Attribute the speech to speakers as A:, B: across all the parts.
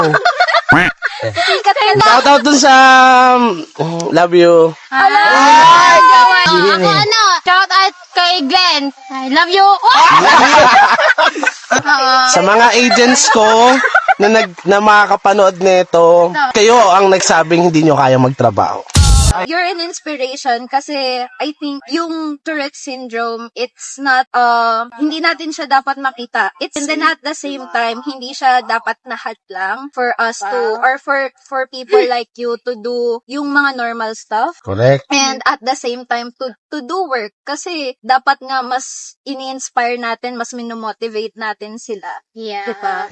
A: Shoutout dun sa love you.
B: Ako shout out kay Glenn. I love you.
A: Sa mga agents ko na makakapanood nito, kayo ang nagsabing hindi nyo kaya magtrabaho.
C: You're an inspiration kasi I think yung Tourette syndrome, it's not, hindi natin siya dapat makita. And then at the same time, hindi siya dapat lang for us to, or for people like you to do yung mga normal stuff.
A: Correct.
C: And at the same time, to do work. Kasi dapat nga mas ini-inspire natin, mas minomotivate natin sila.
B: Yeah.
C: Diba?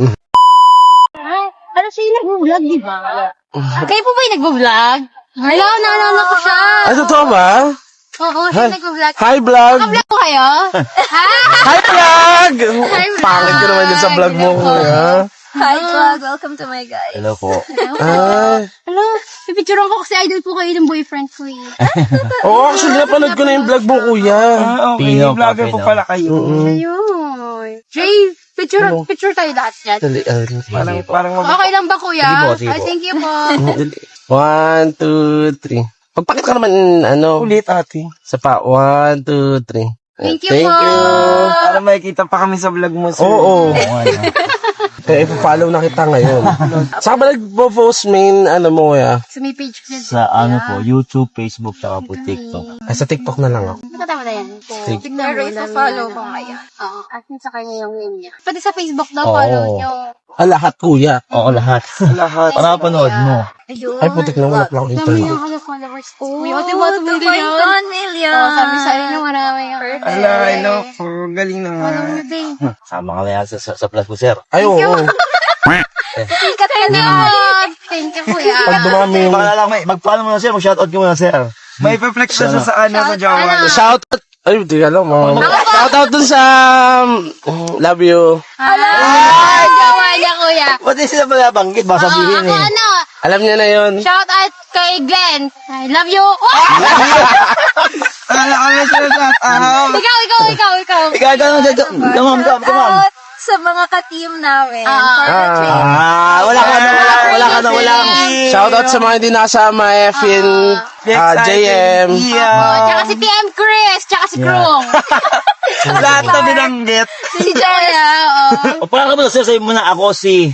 B: Ano siya yung nag-vlog, di ba? Kayo po ba yung nag-vlog? Hello, naalala ko siya.
A: Ay, totoo ba?
B: Oo, siya nag-vlog.
A: Hi, vlog!
B: Naka-vlog ko kayo?
A: Hi, vlog! Pangit ko naman yun sa vlog mo, kuya.
C: Hi, vlog. Welcome to my guys.
D: Hello po.
A: Ay.
B: Hello, pipicturean ko kasi idol po kayo ng boyfriend ko eh.
A: Oo, actually, napanood ko na yung vlog mo, kuya.
E: Okay,
D: Pino pa,
E: vlogger po
D: Pino.
E: pala kayo.
B: Ayun. Jay, picture tayo lahat yan.
A: Dali,
E: Parang
B: Okay lang ba kuya?
D: Sige po, sige
B: Ay,
D: po.
B: thank you po.
A: dali. 1, 2, 3. Pagpakit ka naman,
E: ulit ate.
A: sa pa. 1, 2, 3.
B: Thank you
A: Thank
B: po.
A: you.
E: Para makikita pa kami sa vlog mo, sir.
A: Oo.
D: Ano?
A: Kaya ipa-follow na kita ngayon. Saan ka ba nagpo-post main, mo, kuya?
B: Sa may page ko.
D: Sa ano po, YouTube, Facebook, tsaka po TikTok.
A: Ay, sa TikTok na lang ako.
B: Nakatama na yan.
A: Sige.
B: Tignan
C: Pero
B: mo,
C: ipa-follow
B: dami
C: ko
B: na.
C: ngayon.
B: Oo, asin sa kanya yung name niya. Pati sa Facebook daw,
A: Oo.
B: follow nyo.
A: Lahat, kuya.
D: Oo, lahat.
E: Lahat.
D: Para panood mo.
C: Ayun.
A: Ay, putik na wala pa akong
B: Dami
A: internet.
B: yung mga followers ko.
C: Oh,
B: Uy, ate, what
C: 2.1
B: million?
C: million.
B: Oo, sabi sa inyo, marami yung
E: Ala, hello po. Galing
B: follow
E: naman.
B: nyo din.
D: Sama ka na yan sa plus ko, sir.
A: Ay, oo.
B: Sikat ka na. Thank you, kuya.
A: Pag dumami yung...
D: Baka lang, mag-follow mo na, sir. Mag-shoutout ka muna, sir.
E: May pa-flex na siya sa sa jowa niya.
A: Shoutout. Ay, di alam mo. Shoutout dun sa love you.
B: Ay, gawa niya, kuya.
D: Pati sila malabanggit, baka sabihin
B: Ako
D: eh.
A: Alam niya na yun.
B: shout out kay Glenn. I love you.
E: Ala, kami sila sa out.
B: Ikaw.
D: Ikaw, come on.
C: Out sa mga ka-team namin.
B: Ah.
C: For the training.
D: Wala ka na.
A: Shoutout sa mga hindi nakasama, Efin, JM.
B: Oh,
E: Yeah.
B: tsaka si PM Chris, tsaka si Krong.
E: Lahat na binanggit.
B: Si Joya, oo.
D: O, parang ka muna, sir. Sabi mo na ako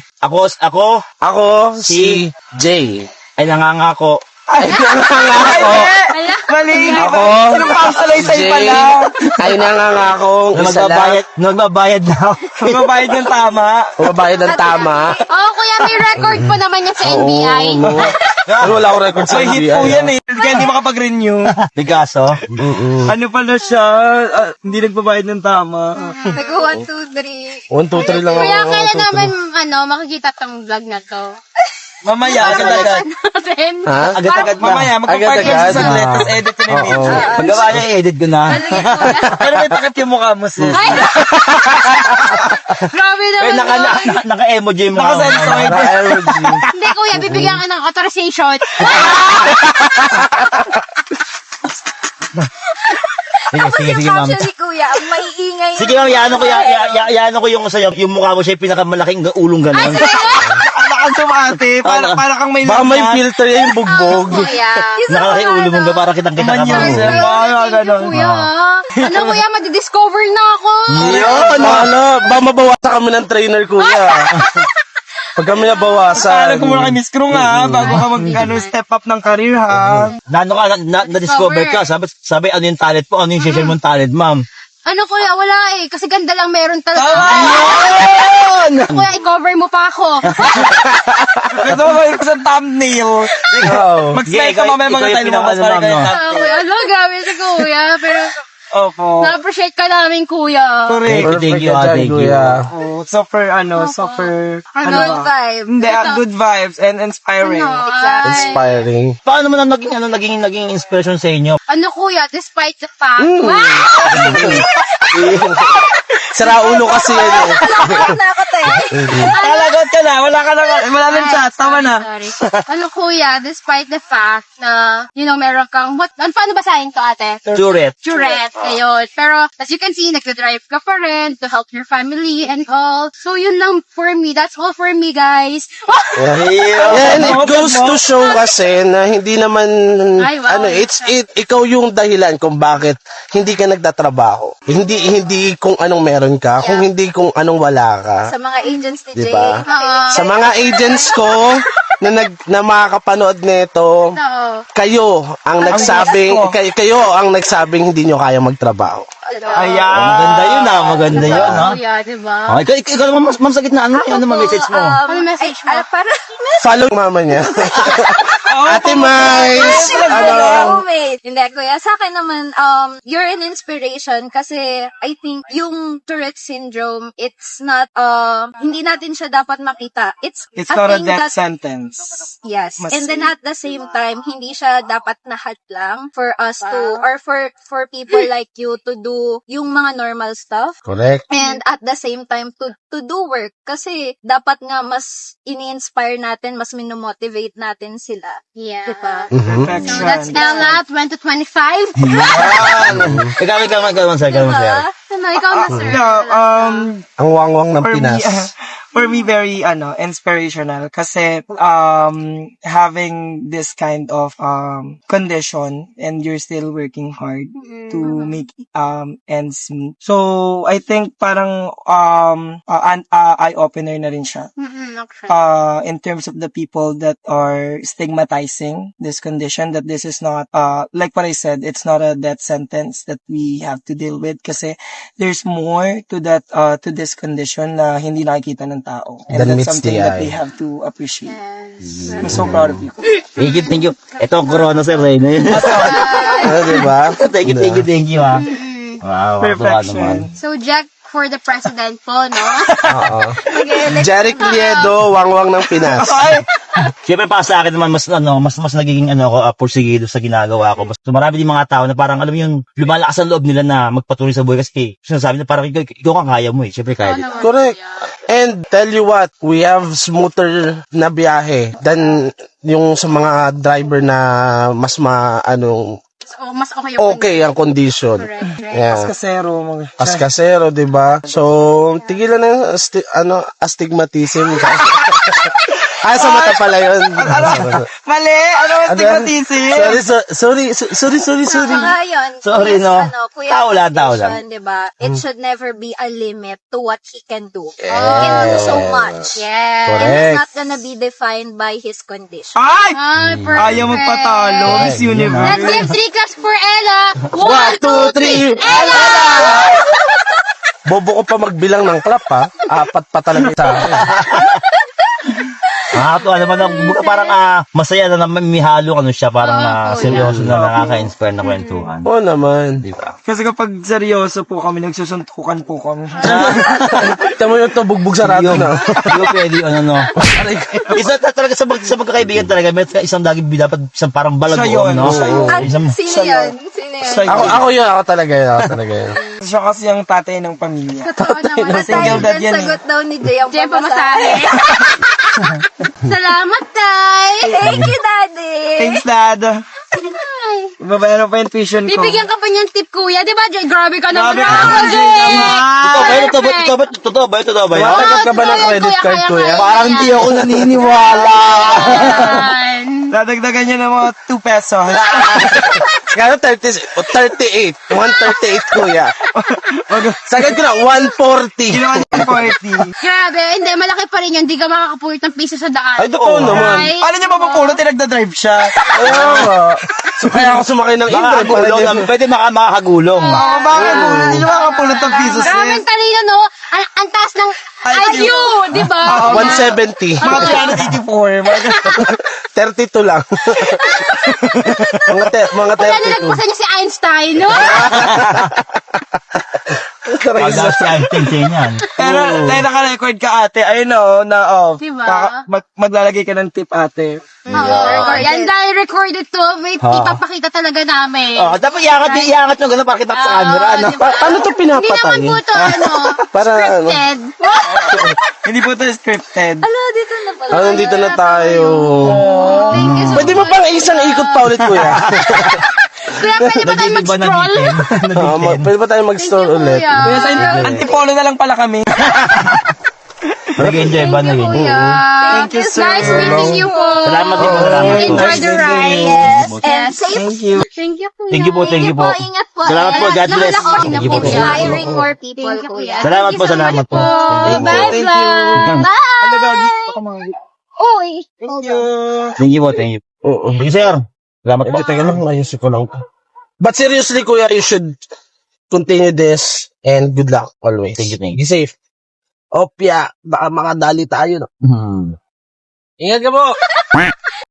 A: Ako, si Jay.
D: ay nangangako.
A: Ay, nangangako.
E: Mali.
A: Ako,
E: Anong pangsalaysay
A: Jay,
E: pala?
A: ay nangangakong
D: Na
A: isa lang.
D: magbabayad na ako.
E: Magbabayad ng tama.
A: Mabayad ng tama.
B: Oo, kuya, may record pa naman yan sa NBI.
A: Pero wala akong record sa
E: May hit po yan eh. Kaya hindi makapag-renew.
D: Bigaso.
E: Ano pala siya? Hindi nagbabayad ng tama.
C: Nag-1, 2, 3.
A: 1, 2, 3 lang ako.
B: Kuya, kailan naman, makikita tong vlog na to?
E: Mamaya, agad-agad.
B: Natin.
A: Ha?
D: Agad-agad na.
E: Mamaya, magpapark
A: Agad-agad.
E: lang sa saglit, tapos edit ko na yung video.
D: Paggawa niya, i-edit ko na.
E: Pero may takip yung mukha mo, sis.
B: Ay! Grabe naman yun.
D: Naka-emoji yung mga.
E: Naka-sensoid.
A: Naka-emoji.
B: Hindi, kuya, bibigyan ka ng authorization.
D: Sige, ma'am.
C: Actually, kuya, ang maiingay.
D: Sige, ma'am, yaano ko yung sa'yo. Yung mukha mo siya, yung pinakamalaking ulong gano'n.
E: Ang tumate, para kang may
A: Baka may filter yan yung bugbog.
B: Kuya.
D: Nakalaki ulo mo, para kitang-kita ka
E: Manyan,
D: mo.
E: sir. Mga ganon.
B: Kuya, ano kuya, madidiscover na ako.
A: Yun, ba mabawasan kami ng trainer, kuya. Pag kami
E: Paalam
A: nabawasan.
E: ko muna kay Miss Krung ha, bago ka step up ng career ha.
D: Na-discover ka. Sabi, ano yung talent po? Ano yung share mong talent, ma'am?
B: Ano kuya, wala eh. Kasi ganda lang meron talaga. Kuya, i-cover mo pa ako.
E: Ito ba yung sa thumbnail?
A: Wow.
E: Mag-style
D: Sige,
E: ka mamaya
D: ikaw
E: mga
D: yung
E: tayo lumabas
D: pinaka-
E: para
D: ano,
E: kayo
D: no?
E: thumbnail.
B: Ano, grabe si kuya. Pero,
E: Opo.
B: na-appreciate ka namin kuya.
E: Correct.
D: Thank you,
A: Perfect ka dyan,
D: thank you.
A: kuya.
E: Oh, super,
C: Good
E: ba?
C: vibe.
E: Hindi, good vibes and inspiring.
A: Inspiring.
D: Paano mo na naging inspiration sa inyo?
B: Ano kuya, despite the fact.
A: Sira ulo kasi yan eh.
C: Nakakot na ako, te.
E: Talagot ka na. Wala nang chat. Tama na.
B: Sorry. Ano kuya, despite the fact na, meron kang, paano basahin to ate?
D: Tourette.
B: Tourette, ayun. Pero, as you can see, nagdadrive ka pa rin to help your family and all. So, yun lang for me. That's all for me, guys.
A: Yeah, and it goes to show kasi na hindi naman,
B: Ay, wow.
A: ikaw yung dahilan kung bakit hindi ka nagtatrabaho. Hindi kung anong meron ka, kung hindi kung anong wala ka.
C: Sa mga agents ni Jay.
A: Diba? Sa mga agents ko na makakapanood nito,
B: Oo.
A: kayo ang nagsabing hindi nyo kaya magtrabaho.
E: Ayan.
D: Maganda yun maganda yun
B: Kuya, diba?
D: Okay, ikaw naman ma'am sa gitna, ano message mo?
B: Ano message mo?
C: Para,
A: Follow mama niya. Ate Mais!
C: wait. Hindi, kuya. Sa akin naman, you're an inspiration kasi I think yung Tourette syndrome, it's not, hindi natin siya dapat makita. It's
E: not a
C: thing
E: death
C: that,
E: sentence.
C: yes.
E: Mas-
C: And then at the same time, hindi siya dapat nahat lang for us to, or for people like you to do yung mga normal stuff.
A: Correct.
C: And at the same time, to do work. Kasi dapat nga mas ini-inspire natin, mas minomotivate natin sila.
B: Yeah.
C: Diba?
E: Perfection.
B: So, that's Ella, 2025.
D: Ikaw, sir.
B: Ano, ikaw na, sir.
E: No,
A: Ang wangwang ng
E: for me,
A: Pinas.
E: for me, very, inspirational. Kasi, having this kind of, condition and you're still working hard to make, ends meet. So, I think parang, an eye-opener na rin siya.
B: Okay.
E: In terms of the people that are stigmatizing this condition, that this is not, like what I said, it's not a death sentence that we have to deal with kasi there's more to that, to this condition na hindi nakikita ng tao. And
A: Than
E: that's
A: meets
E: something
A: the
E: that
A: eye.
E: we have to appreciate.
B: Yes.
E: I'm so proud of you.
D: Thank you. Ito ang corona, sir.
A: Ano, diba?
D: Thank you, ha. Wow,
E: Perfection.
B: So, Jack for the president po, no?
A: Oo. Jeric Liedo, wangwang ng Pinas.
D: Siyempre para sa akin naman mas nagiging porsigido sa ginagawa ko. Mas marami din mga tao na parang alam mo yung lumalakas ang loob nila na magpatuloy sa buhay kasi sinasabi na parang ikaw kang kaya mo eh. Siyempre kaya din.
A: Correct. And tell you what, we have smoother na biyahe than yung sa mga driver na mas
B: So, mas okay yung
A: okay ang condition.
B: Correct.
A: Yeah.
E: Kasero.
A: Askasero, 'di ba? So, tigilan na astigmatism. Sa mata pala 'yun.
E: Mali! Ano ang stigmatism?
A: Sorry.
C: Saka yun,
D: Sorry,
C: yes,
D: no.
C: Kuya,
D: Tao lang.
C: condition, diba? It should never be a limit to what he can do. He can do so much.
B: Yes.
C: And
A: Correct.
C: it's not gonna be defined by his condition.
E: Ay!
B: Ay, perfect.
E: Ayaw magpatalo. Miss
B: Let's
E: Universe.
B: give 3 claps for Ella.
A: 1, 2, 3. Ella! Bobo ko pa magbilang ng clap ha. 4 pa talaga sa akin.
D: Parang masaya na may halong siya, parang seryoso na nakaka-inspire na kwentuhan.
A: Oo naman.
D: Di ba?
E: Kasi kapag seryoso po kami, nagsusuntukan po kami.
A: Tama yung to, bugbog sarado na.
D: Hindi ko pwede, Isa talaga sa magkakaibigan talaga, may isang dapat isang parang
E: Siya
D: balagoon,
E: yun,
D: no?
E: siya yun.
C: Sino yan? Sino yan?
A: Ako talaga yun.
E: Siya kasi ang tatay ng pamilya.
B: Totoo naman.
E: Single dad yan.
C: Sagot daw ni Jay ang
B: Jay, pamasahe. Salamat, Tay.
C: Thank you, Daddy.
E: Thanks, Dad. Babayaran pa yung tuition ko.
B: Bibigyan ka pa niyan tip, kuya. Di ba, Jay? Grabe ka naman.
E: Grabe ka naman, Jay.
D: Totoo ba yun?
A: Tumatanggap ka ba ng credit card, kuya?
D: Parang hindi ako naniniwala.
E: Dadagdagan niya ng mga 2 pesos.
A: Kaya 38. 138, kuya. Sagad ko na, 140.
E: Ginawa niya yung 40.
B: Grabe. Hindi, malaki pa rin yun. Di ka makakapulit ng piso sa daan.
A: Ay, totoo naman.
B: Right?
E: Paano niya mapapulot? Nagda-drive siya.
A: Ayaw nga. So, kaya ako sumakay ng Indra.
D: Pwede makakagulong.
E: Oo, bakit? Hindi niya makapulot ng piso,
B: Grabe
E: sis.
B: ang talino, no? Ang taas ng IQ, di ba?
A: 170.
E: Mga 384.
A: 32 lang. mga
B: Wala
A: 32.
B: nilagpasan niya si Einstein, no?
D: Pag si Einstein sa yan.
E: Pero, tayo naka-record ka ate. Ayun
B: Diba?
E: maglalagay ka ng tip ate.
B: Oo. Yan dahil recorded to, may ipapakita talaga namin.
D: Oh, dapat iangat yung gano'n para kita sa camera, ano?
B: diba?
A: Paano to
B: Hindi naman
A: pinapatay?
B: po to,
A: Para ano?
B: scripted.
E: Hindi po ito scripted.
C: Ala, dito na pala.
A: Nandito na tayo.
B: Thank you so
A: Pwede mo pang isang ikot pa ulit, kuya?
B: Kuya, pwede ba tayo
D: Nagiging ba
B: mag-scroll?
A: Pwede ba tayo mag-store ulit?
E: Kaya sa antipolo na lang pala kami.
D: Nag-enjoy ba?
B: Thank you,
D: Nag-enjoy.
B: kuya.
E: Thank you, sir.
B: Nice meeting you po.
D: Salamat din po, salamat po.
B: Enjoy the ride.
C: Yes. And safe.
E: Thank you.
B: Thank you, kuya.
D: Thank you po, thank you po.
C: Ingat po.
D: Salamat po, God bless.
C: Lahat
D: Thank you po.
C: inspiring more people,
B: Thank you,
C: kuya.
B: kuya.
D: Salamat po, salamat po.
E: Thank you,
B: Bye,
E: thank
B: vlog.
E: you. Ano gagi? Baka mga...
C: Uy.
E: Thank you.
D: Thank you po, thank you.
A: Oo.
D: Thank you, sir. Salamat po.
A: Teka lang, ayusin ko lang. But seriously, kuya, you should continue this and good luck always.
D: Thank you, thank
A: Be
D: you.
A: safe. Opya, baka makadali tayo. No?
D: Hmm.
A: Ingat ka po.